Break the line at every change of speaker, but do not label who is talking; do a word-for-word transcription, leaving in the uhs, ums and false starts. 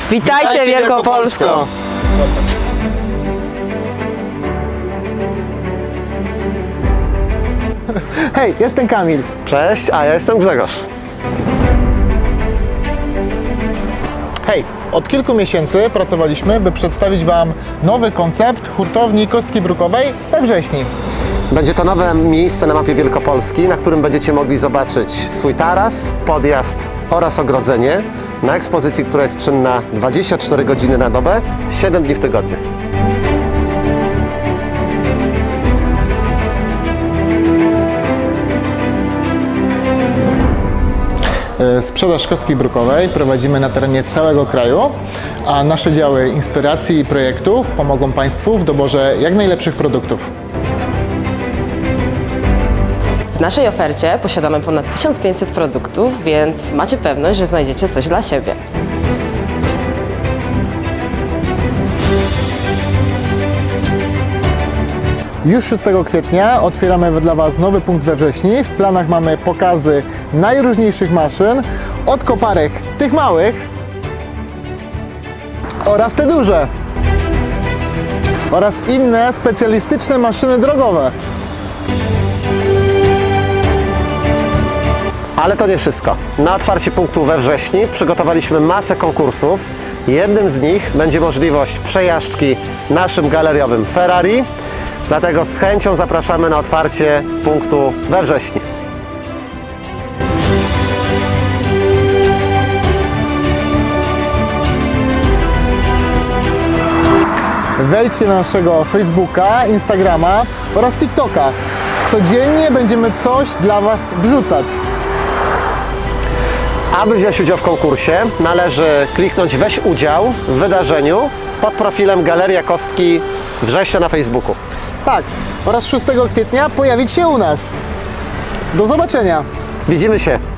Witajcie,
Witajcie
Wielkopolsko!
Wielkopolsko!
Hej, jestem Kamil.
Cześć, a ja jestem Grzegorz.
Hej, od kilku miesięcy pracowaliśmy, by przedstawić Wam nowy koncept hurtowni Kostki Brukowej we Wrześni.
Będzie to nowe miejsce na mapie Wielkopolski, na którym będziecie mogli zobaczyć swój taras, podjazd oraz ogrodzenie na ekspozycji, która jest czynna dwadzieścia cztery godziny na dobę, siedem dni w tygodniu.
Sprzedaż kostki brukowej prowadzimy na terenie całego kraju, a nasze działy inspiracji i projektów pomogą Państwu w doborze jak najlepszych produktów.
W naszej ofercie posiadamy ponad tysiąc pięćset produktów, więc macie pewność, że znajdziecie coś dla siebie.
Już szóstego kwietnia otwieramy dla Was nowy punkt we Wrześni. W planach mamy pokazy najróżniejszych maszyn, od koparek tych małych oraz te duże oraz inne specjalistyczne maszyny drogowe.
Ale to nie wszystko. Na otwarcie punktu we wrześniu przygotowaliśmy masę konkursów. Jednym z nich będzie możliwość przejażdżki naszym galeriowym Ferrari. Dlatego z chęcią zapraszamy na otwarcie punktu we wrześniu.
Wejdźcie na naszego Facebooka, Instagrama oraz TikToka. Codziennie będziemy coś dla Was wrzucać.
Aby wziąć udział w konkursie, należy kliknąć weź udział w wydarzeniu pod profilem Galeria Kostki Września na Facebooku.
Tak, oraz szóstego kwietnia pojawić się u nas. Do zobaczenia!
Widzimy się!